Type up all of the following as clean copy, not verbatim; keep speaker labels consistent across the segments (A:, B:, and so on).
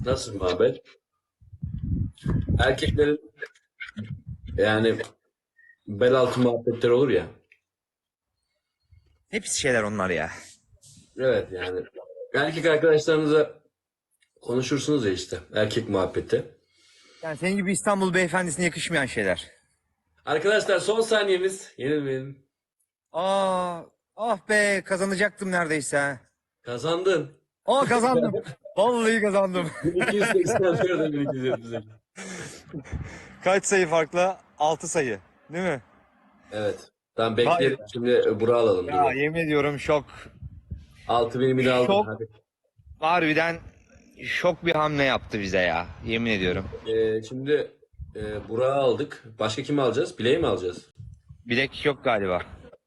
A: Nasıl muhabbet? Erkeklerin yani bel altı muhabbetleri olur ya.
B: Hepsi şeyler onlar ya.
A: Evet yani. Erkek arkadaşlarınıza konuşursunuz ya işte. Erkek muhabbeti.
B: Yani senin gibi İstanbul beyefendisine yakışmayan şeyler.
A: Arkadaşlar son saniyemiz. Yenilmeyin.
B: Aa, ah be kazanacaktım neredeyse.
A: Kazandın.
B: Aa kazandım. Vallahi kazandım.
A: 1284'e 1278.
B: Kaç sayı farkla? 6 sayı. Değil mi?
A: Evet. Tamam
B: Vay
A: bekleyelim.
B: be.
A: Şimdi Burak'ı alalım. Dur
B: Ya
A: bak.
B: yemin ediyorum şok.
A: 6000'imi de aldın.
B: Şok.
A: Hadi.
B: Harbiden şok bir hamle yaptı bize ya. Yemin ediyorum.
A: Şimdi Burak'ı aldık. Başka kimi alacağız? Bileği mi alacağız?
B: Bilek yok galiba.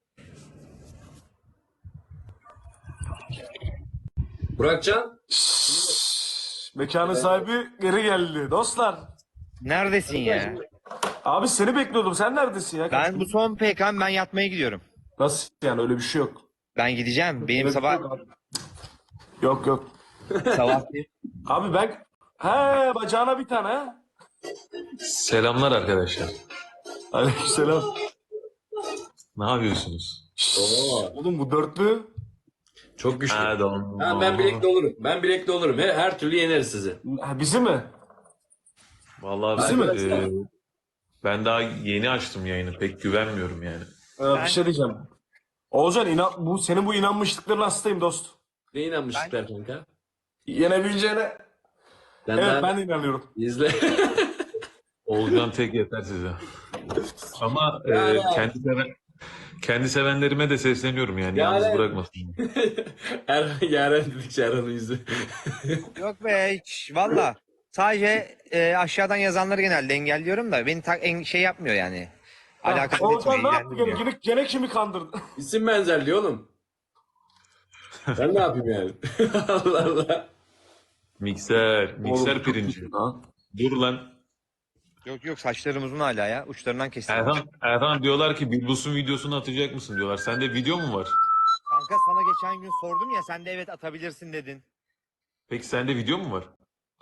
A: Burakcan.
C: Mekanın sahibi geri geldi. Dostlar.
B: Neredesin ya?
C: Abi seni bekliyordum. Sen neredesin ya?
B: Ben bu son PK'm, ben yatmaya gidiyorum.
C: Nasıl yani, öyle bir şey yok.
B: Ben gideceğim. Benim
C: Öyle bir şey
B: sabah
C: yok abi. Yok yok.
B: sabah
C: Abi ben... He, bacağına bir tane ha.
D: Selamlar arkadaşlar.
C: Aleykümselam.
D: Ne yapıyorsunuz?
A: Oo,
C: Oğlum bu dörtlü.
A: çok güçlü.
D: Pardon.
A: Ha, ben bilekli olurum. Ben bilekli olurum. Her türlü yeneriz sizi.
C: Ha, bizi mi?
D: Vallahi
C: Bizi mi?
D: ben daha yeni açtım yayını. Pek güvenmiyorum yani.
C: Bir şey diyeceğim. Oğuzhan senin bu inanmışlıkların hastayım dost.
A: Ne inanmışlıklar kanka?
C: Yenebileceğine.
A: Sen
C: Evet,
A: daha
C: ben de inanıyorum.
A: izle.
D: Olcan tek yeter size. Ama
A: Yani.
D: kendi sevenlerime de sesleniyorum yani.
A: Yani.
D: Yalnız bırakmasın.
A: Yaren dedikçe Erhan'ın yüzü.
B: yok be hiç valla. Sadece aşağıdan yazanları genelde engelliyorum da beni şey yapmıyor yani. Alakası
C: Oğuzhan
B: etmiyor,
C: ne yaptı gene?
B: ilgilendirmiyor.
C: Gene kimi kandırdı?
A: İsim benzerliği oğlum. Ben ne yapayım yani? Allah Allah.
D: Mikser
C: Oğlum, çok
D: pirinci.
C: güçlü lan.
D: Dur lan.
B: Yok yok, saçlarım uzun hala ya. Uçlarından kestim.
D: Erhan diyorlar ki Bilbus'un videosunu atacak mısın diyorlar. Sende video mu var?
B: Kanka sana geçen gün sordum ya, sen de evet atabilirsin dedin.
D: Peki sende video mu var?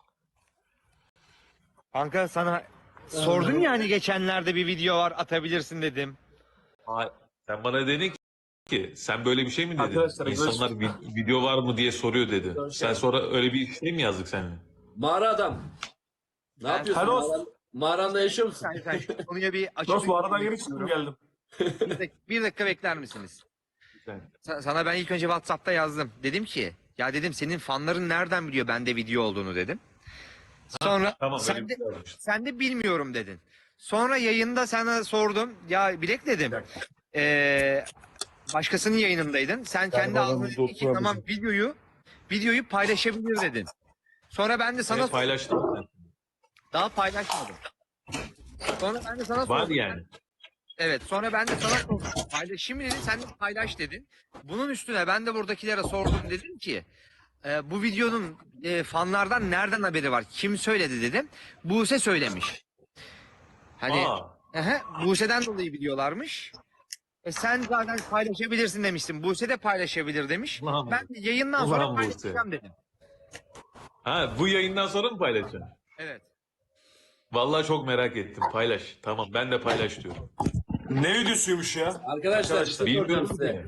B: Kanka sana sordum ya hani geçenlerde bir video var atabilirsin dedim.
D: Sen bana dedin ki sen böyle bir şey mi dedin?
C: Arkadaşlar,
D: İnsanlar video var mı diye soruyor dedi. Sen sonra öyle bir şey mi yazdık seninle?
A: Mağara adam. Ne
B: Ben-
A: yapıyorsun?
C: Hello.
A: Mağaranda yaşıyor musun?
B: Sen şu konuya bir
C: Dost
B: açıklık
C: bu aradan
B: getirmek
C: yeni çıktım,
B: istiyorum.
C: geldim.
B: Bir dakika bekler misiniz?
D: Sen-
B: Sana ben ilk önce WhatsApp'ta yazdım. Dedim ki ya dedim senin fanların nereden biliyor bende video olduğunu dedim. Sonra
D: Tamam, öyle
B: sen
D: bir
B: de,
D: şey yazmış.
B: sen de bilmiyorum dedin. Sonra yayında sana sordum. Ya Bilek dedim. Ee, başkasının yayınındaydın. Sen kendi ağzına dedin ki tamam videoyu paylaşabilir dedin. Sonra ben de sana
D: Evet, paylaştım ben.
B: daha paylaşmadım. Sonra ben de sana
D: Var
B: sordum.
D: yani.
B: Evet, sonra ben de sana sordum. Paylaşayım mı dedin, sen de paylaş dedin. Bunun üstüne ben de buradakilere sordum, dedim ki bu videonun fanlardan nereden haberi var? Kim söyledi dedim. Buse söylemiş. Hani Buse'den dolayı biliyorlarmış. Sen zaten paylaşabilirsin demiştin. Buse de paylaşabilir demiş.
D: Ulan
B: Ben de yayından
D: Ulan
B: sonra
D: Buse.
B: paylaşacağım dedim.
D: Bu yayından sonra mı paylaşacaksın?
B: Evet.
D: Vallahi çok merak ettim. Paylaş. Tamam, ben de paylaş diyorum.
C: Ne videosuymuş ya?
A: Arkadaşlar işte soracağım
D: Bilmiyorum
A: size.
D: ki.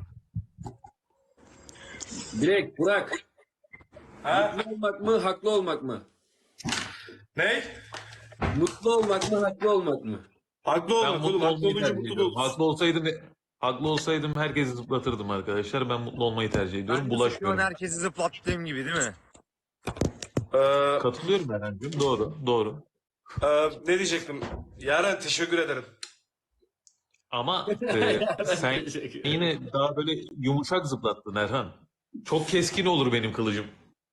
A: Bilek, Burak.
C: Ha?
A: Mutlu olmak mı, haklı olmak mı?
C: Ne?
A: Mutlu olmak mı, haklı olmak mı?
C: Haklı
D: Ben
C: olmak oğlum.
D: mutlu
C: Haklı
D: olmayı
C: olunca
D: tercih
C: mutlu
D: ediyorum.
C: olursun.
D: Haklı olsaydım herkesi zıplatırdım arkadaşlar. Ben mutlu olmayı tercih ediyorum.
B: Ben de
D: Bulaşmıyorum.
B: herkesi zıplattığım gibi değil mi?
D: Katılıyorum Erhan'cığım. Doğru.
C: Ne diyecektim? Yaren, teşekkür ederim.
D: Ama sen yine daha böyle yumuşak zıplattın Erhan. Çok keskin olur benim kılıcım.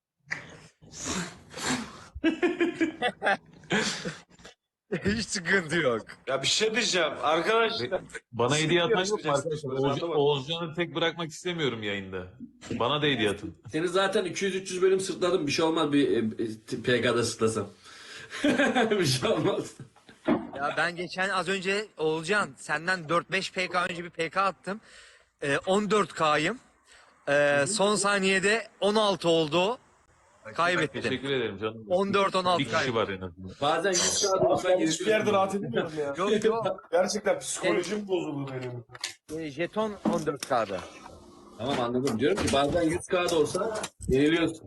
B: Hiç sıkıntı yok.
C: Ya bir şey diyeceğim arkadaşlar.
D: Bana hediye atan yok mu
C: yarışmayacaksınız.
D: arkadaşlar?
C: Ben anlamadım.
D: Oğuzcan'ı tek bırakmak istemiyorum yayında. Bana da hediye atın.
A: Seni zaten 200-300 bölüm sırtladım. Bir şey olmaz PK'da sırtlasam. Bir şey olmaz.
B: Ya ben geçen az önce Oğulcan senden 4-5 PK önce bir PK attım. 14K'yım. Son saniyede 16 oldu. Kaybettim.
D: Teşekkür ederim canım.
B: 14-16
D: Bir kişi
B: kaybettim.
D: var en azından.
A: Bazen 100 kağıt olsa
C: Ben hiçbir yerde rahat
A: yeniliyorsun.
C: edemiyorum ya.
B: Yok yok.
C: Gerçekten psikolojim bozuldu benim.
B: Jeton 14 kağıdı.
A: Tamam anladım. Diyorum ki bazen 100 kağıt olsa yeniliyorsun.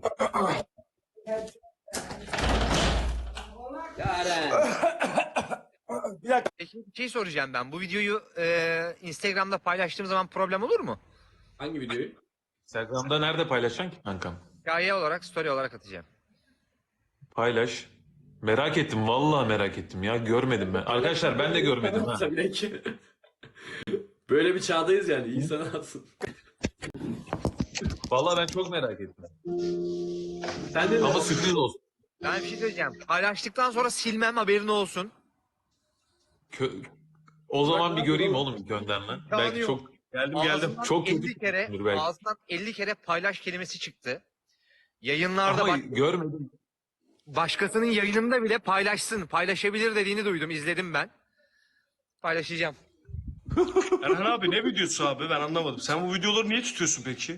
A: Yaren.
B: Peki bir şey soracağım ben. Bu videoyu Instagram'da paylaştığım zaman problem olur mu?
A: Hangi videoyu?
D: Instagram'da nerede paylaşacaksın ki kankam?
B: Hikaye olarak, story olarak atacağım.
D: Paylaş. Merak ettim. Vallahi merak ettim ya. Görmedim ben. Arkadaşlar ben de görmedim ha.
A: Tabii ki. Böyle bir çağdayız yani. İyi sanatsın.
D: Vallahi ben çok merak ettim.
A: Sen de
D: Ama sürpriz olsun.
B: Ben bir şey söyleyeceğim. Paylaştıktan sonra silmem, haberin olsun.
D: O zaman bir göreyim oğlum gönderme. Belki
B: yok.
D: çok
C: Geldim
B: Ağzından
D: Çok
B: 50
D: kötü
B: kere,
D: düşünür belki.
B: ağzından 50 kere paylaş kelimesi çıktı. Yayınlarda
D: ama
B: bak,
D: görmedim.
B: başkasının yayınında bile paylaşsın, paylaşabilir dediğini duydum, izledim ben. Paylaşacağım.
C: Erhan abi ne videosu abi ben anlamadım. Sen bu videoları niye tutuyorsun peki?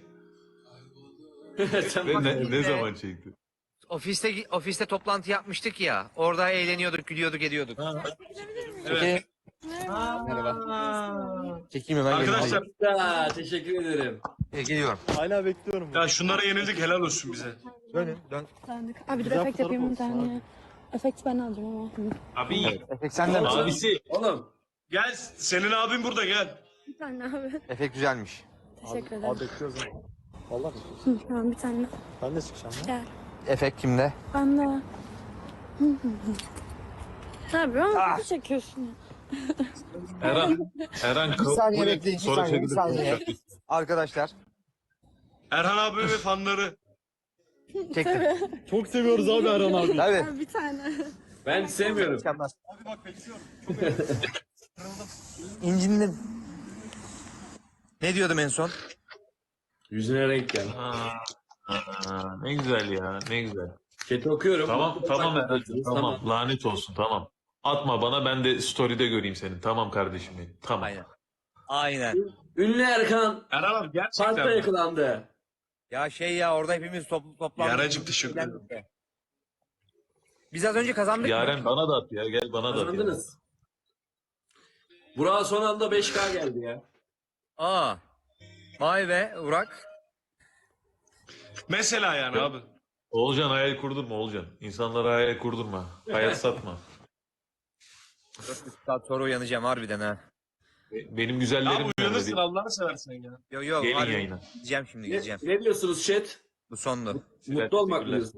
A: Sen
D: Ve
A: bak-
D: ne zaman çekti?
B: Ofiste toplantı yapmıştık ya. Orada eğleniyorduk, gülüyorduk, ediyorduk.
C: Evet.
B: Merhaba. Çekeyim hemen.
C: Arkadaşlar
A: Ya, teşekkür ederim.
B: Geliyorum.
E: Hala bekliyorum.
C: ya şunlara yenildik helal olsun bize.
B: Dönün, dön.
F: Sandık. Abi dur
E: Güzel
F: efekt
E: fotoğraf
F: yapayım bir
E: olsun
F: tane. Efekt ben alacağım ama.
D: Abi
B: Efekt sende mi?
D: abisi
A: Oğlum.
C: Gel senin abin burada gel.
F: Bir tane abi.
B: Efekt güzelmiş.
F: Teşekkür ederim.
E: Abi bekliyoruz ama. Vallahi bekliyoruz.
F: Hı, tamam bir tane.
E: Ben de çıkacağım ya.
F: Gel.
B: Efekt kimde?
F: Ben de. Hı hı hı. Abi ama kötü çekiyorsun ya.
D: Eren
B: Bir saniye
D: buyur,
B: bekleyin, bir
D: sonra
B: saniye, bir
D: çekilirsin.
B: saniye. Arkadaşlar.
C: Erhan abi ve fanları.
B: Çektim.
E: Çok seviyoruz abi Erhan abi.
B: Tabii.
F: Abi bir tane.
A: Ben sevmiyorum.
B: Mükemmel.
C: Abi bak bekliyorum.
B: İncindim. Ne diyordum en son?
A: Yüzüne renk gel.
D: Ne güzel ya, ne güzel.
A: Chat'i okuyorum.
D: Tamam Eren'cim,
A: Tamam.
D: tamam. Lanet olsun, tamam. Atma bana, ben de story'de göreyim seni. Tamam kardeşim benim, tamam.
B: Aynen. Aynen.
A: Ünlü Erkan
C: Erhan abi gerçekten.
A: parkta
C: mi?
A: yakalandı.
B: Ya şey ya, orada hepimiz toplandık.
C: Yaracım teşekkür ederim.
B: Biz az önce kazandık mı?
D: Yaren bana da at ya, gel bana da at ya.
A: Kazandınız. Burak'a son anda 5K geldi ya.
B: Aa. Vay be Urak.
C: Mesela yani abi.
D: Oğulcan hayal kurdurma Oğulcan. İnsanlara hayal kurdurma. Hayat satma.
B: 4 saat sonra uyanacağım harbiden ha.
D: Benim
C: Abi
D: güzellerim nerede
C: uyanırsın
D: değil.
C: Allah'ını seversen ya.
B: Yo yo.
D: Gelin
B: harbi
D: yayına.
B: Gideceğim şimdi, gideceğim.
A: Ne diyorsunuz chat?
B: Bu sondu.
A: Mutlu olmak mı
D: teşekkürler.
A: diyorsunuz?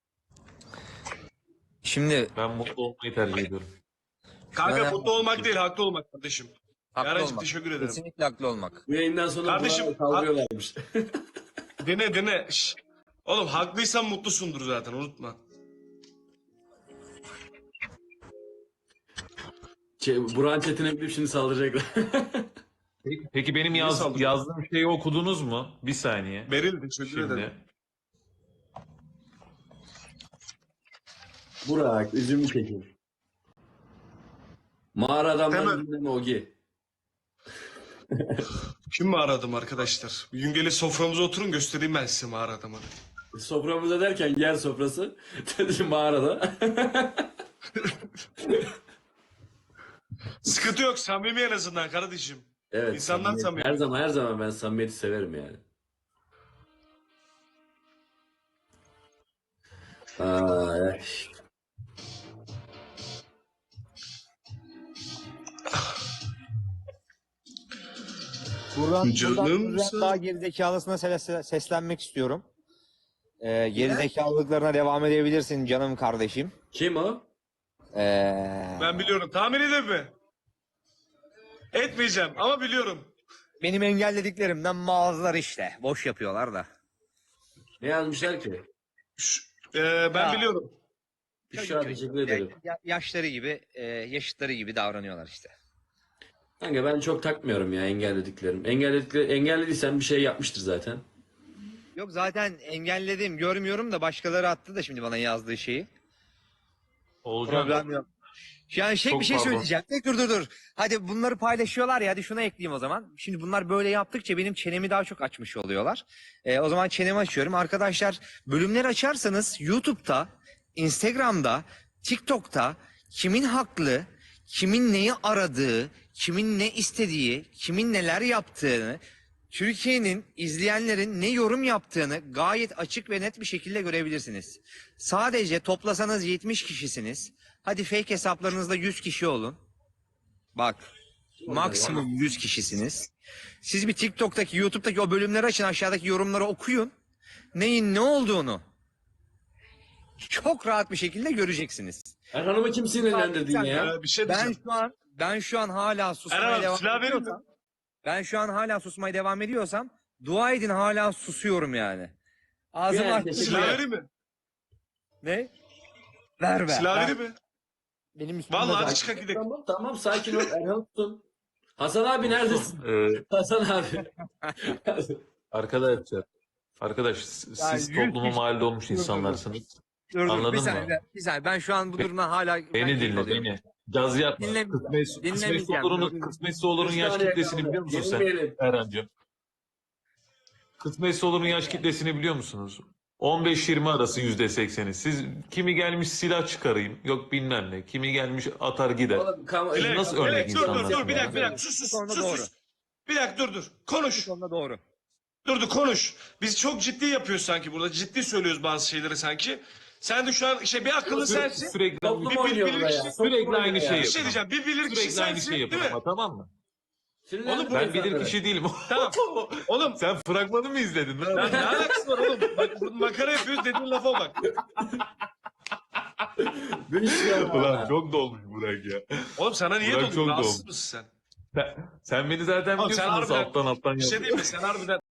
B: Şimdi
D: Ben mutlu olmayı tercih ediyorum.
C: Kanka
B: Ben-
C: mutlu olmak değil haklı olmak kardeşim.
B: haklı
C: Yaracım
B: olmak.
C: teşekkür ederim.
B: Kesinlikle haklı olmak.
A: Bu yayından sonra
C: Kardeşim,
A: Burak'ı kaldırıyorlarmış.
C: Dene. Şş. Oğlum haklıysan mutlusundur zaten unutma.
A: Burak'ın chatine gidip şimdi saldıracaklar.
D: Peki benim
C: Niye saldırdın?
D: yazdığım şeyi okudunuz mu? Bir saniye.
C: Beril teşekkür ederim.
D: Şimdi.
A: Burak, üzümlü çekin. Mağara adamdan
C: Hemen.
A: dinleme Ogi.
C: Kim mi aradım arkadaşlar? Bir gün gelin soframıza oturun göstereyim ben size mağara adamı.
A: Soframıza derken yer sofrası. Dedi mağarada.
C: Sıkıntı yok samimi en azından kardeşim.
A: Evet.
C: İnsanlar samimi.
A: Her zaman ben samimiyeti severim yani. Ay.
B: Buradan
C: Canımsın.
B: daha gerizekalısına seslenmek istiyorum. Gerizekalılıklarına devam edebilirsin canım kardeşim.
A: Kim o?
C: Ben biliyorum. Tahmin edin mi? Etmeyeceğim ama biliyorum.
B: Benim engellediklerimden mağazalar işte. Boş yapıyorlar da.
A: Ne yazmışlar ki?
C: Ben
B: Ya.
C: biliyorum.
A: Büşra teşekkür ederim.
B: Yaşları gibi, yaşıtları gibi davranıyorlar işte.
A: Kanka ben çok takmıyorum ya engellediklerim. Engellediysen bir şey yapmıştır zaten.
B: Yok zaten engelledim, görmüyorum da başkaları attı da şimdi bana yazdığı şeyi.
D: Oğulcan
B: Problem yok. Yani
D: Çok
B: bir şey
D: pardon.
B: söyleyeceğim. Dur. Hadi bunları paylaşıyorlar ya, hadi şuna ekleyeyim o zaman. Şimdi bunlar böyle yaptıkça benim çenemi daha çok açmış oluyorlar. O zaman çenemi açıyorum. Arkadaşlar bölümleri açarsanız YouTube'da, Instagram'da, TikTok'ta kimin haklı, kimin neyi aradığı, kimin ne istediği, kimin neler yaptığını, Türkiye'nin, izleyenlerin ne yorum yaptığını gayet açık ve net bir şekilde görebilirsiniz. Sadece toplasanız 70 kişisiniz. Hadi fake hesaplarınızda 100 kişi olun. Bak, maksimum 100 kişisiniz. Siz bir TikTok'taki, YouTube'daki o bölümleri açın, aşağıdaki yorumları okuyun. Neyin ne olduğunu çok rahat bir şekilde göreceksiniz.
A: Erhan'ımı kim sinirlendirdin ya?
C: Bir şey
B: Ben
C: diyeceğim.
B: şu an hala susmaya
C: Erhan abi
B: devam
C: silah verir mi?
B: ediyorsam, ben şu an hala susmaya devam ediyorsam dua edin hala susuyorum yani. Ağzımı
A: Yani
B: açtım.
A: teşekkür
C: Silah
A: ederim.
C: vereyim mi?
B: Ne? Ver.
C: Silah
B: ver.
C: vereyim mi?
E: Benim üstümde
C: Vallahi
E: zaten.
C: hadi çıkak gidelim.
A: Tamam sakin ol Erhan tutun. Hasan abi neredesin? Hasan abi.
D: Arkadaş siz
B: Yani 100
D: topluma
B: kişi-
D: mal olmuş insanlarsınız.
B: Dur,
D: Anladın
B: bir
D: mı?
B: saniye, bir saniye. Ben şu an bu durumdan hala...
D: Beni dinle beni. Caz yapma.
B: Dinlemeyeceğim. Dinlemeyeceğim.
D: Kısmetse olur'un yaş
A: saniye
D: kitlesini
A: kaldı.
D: biliyor musun sen
A: Yenilmeyelim.
D: Erhan'cığım? Kısmetse olur'un yaş kitlesini biliyor musunuz? 15-20 arası %80'i. Siz kimi gelmiş silah çıkarayım, yok bilmem ne. Kimi gelmiş atar gider.
A: Oğlum,
C: Dilek,
D: Nasıl örnek
C: Dilek, dur
D: insanlar?
C: bir dakika sus.
B: Bu konuda doğru.
C: Bir dakika dur.
B: Bu
C: Konuş.
B: konuda doğru.
C: Dur konuş. Biz çok ciddi yapıyoruz sanki burada. Ciddi söylüyoruz bazı şeyleri sanki. Sen de şu an bir akıllı sensin.
D: Sürekli
A: Toplum
C: Bir
A: oynuyor
C: bilir
A: buraya.
C: kişi-
D: Sürekli aynı şeyi
C: Bir
D: yapın.
C: şey diyeceğim. Bir bilir kişi
D: Sürekli aynı
C: sensin
D: şeyi
C: değil
D: yapın
C: mi?
D: ama tamam mı?
C: Oğlum,
D: Ben bilir kişi değilim.
C: Tamam. Oğlum
D: Sen fragmanı mı izledin?
C: ya ne alakası var oğlum? Bak burada makara yapıyoruz dediğin lafa bak.
D: Ulan çok dolmuş Burak ya.
C: Oğlum sana niye
D: Burak
C: doldun?
D: çok
C: Rahatsız
D: doğru.
C: mısın sen?
D: Sen beni zaten
C: Oğlum sen
D: biliyorsun nasıl
C: harbiden-
D: alttan
C: Bir şey
D: yapıyorsun.
C: değil mi? Sen harbiden